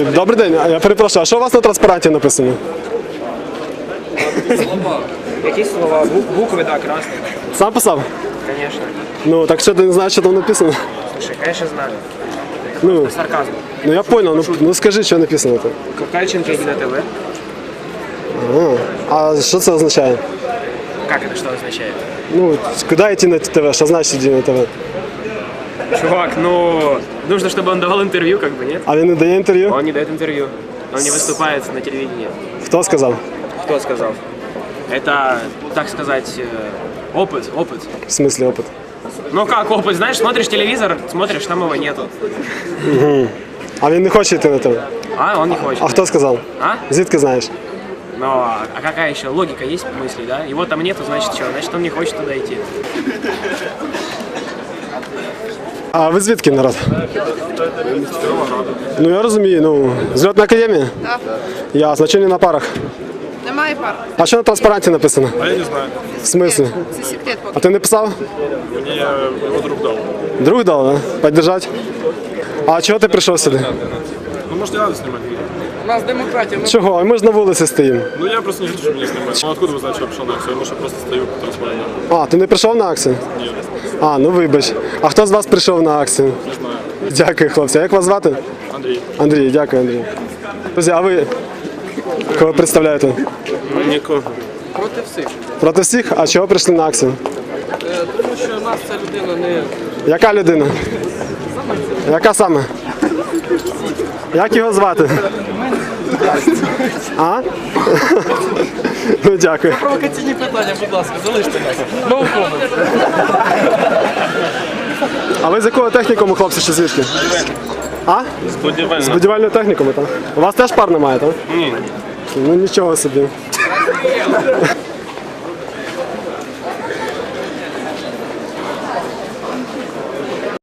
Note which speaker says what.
Speaker 1: Добрий день, я перепрошую, а що у вас на транспаранті написано?
Speaker 2: Слова. Які слова? Букви, да, красні.
Speaker 1: Сам писав?
Speaker 2: Конечно.
Speaker 1: Ну, так що ти не знаєш, що там написано?
Speaker 2: Слушай, конечно, знаю.
Speaker 1: Ну,
Speaker 2: Сарказм.
Speaker 1: ну я понял, ну скажи, що написано там.
Speaker 2: Кукальченко иди на ТВ.
Speaker 1: А що це означає?
Speaker 2: Как это, что означает?
Speaker 1: Ну, куди йти на ТВ? Що значить йти на ТВ?
Speaker 2: Чувак, ну, нужно, чтобы он давал интервью, как бы, нет?
Speaker 1: А він не дає інтерв'ю?
Speaker 2: Он не дает интервью. Он не выступает на телевидении.
Speaker 1: Хто сказав?
Speaker 2: Кто сказал? Это, так сказать, опыт.
Speaker 1: В смислі опит?
Speaker 2: Ну как опыт? Знаешь, смотришь телевизор, смотришь, там его нету.
Speaker 1: А він не хоче йти на ТВ?
Speaker 2: А, он не хочет.
Speaker 1: А хто сказав?
Speaker 2: А?
Speaker 1: Звідки знаєш?
Speaker 2: Ну, а какая еще логика есть в мысли, да? Его там нету, значит что? Значит, он не хочет туда идти.
Speaker 1: А ви звідки, народ? Ну я розумію, ну, зльотна академія?
Speaker 3: Так.
Speaker 1: Ясно, чи не на парах?
Speaker 3: Немає пар.
Speaker 1: А що на транспаранті написано?
Speaker 4: А я не знаю.
Speaker 1: В смислі?
Speaker 3: Це секрет
Speaker 1: А
Speaker 3: поки.
Speaker 1: ти не писав?
Speaker 4: Мне его друг дал.
Speaker 1: Друг дав, да? Поддержать? А чого ти прийшов сюди?
Speaker 4: Ну, может, не надо снимать?
Speaker 3: У нас демократія.
Speaker 1: Чого? А ми ж на вулиці стоїмо.
Speaker 4: Ну, я просто не хочу, чтобы меня снимали. Ну, откуда вы знаете, что я пришел на акцию? Может, я просто стою по трансформеру?
Speaker 1: А, ти не прийшов на акцію?
Speaker 4: Нет,
Speaker 1: А, ну вибач. А хто з вас прийшов на акцію?
Speaker 4: не знаю.
Speaker 1: Дякую, хлопці. А як вас звати?
Speaker 4: Андрей.
Speaker 1: Андрій, дякую, Андрій. Друзі, а ви кого представляєте?
Speaker 4: Никого.
Speaker 3: Проти всіх.
Speaker 1: Проти всіх? А чого прийшли на акцію?
Speaker 3: Тому що нас ця людина не...
Speaker 1: Яка людина? Яка саме? Як його звати? А? Ну, дякую.
Speaker 3: Провокаційні питання, будь ласка, залиште нас. No comment.
Speaker 1: А ви з якого технікуму, хлопці, чи звідки? А? З будівельної технікуму, так? У вас теж пар немає, так?
Speaker 4: Ні.
Speaker 1: Ну нічого собі.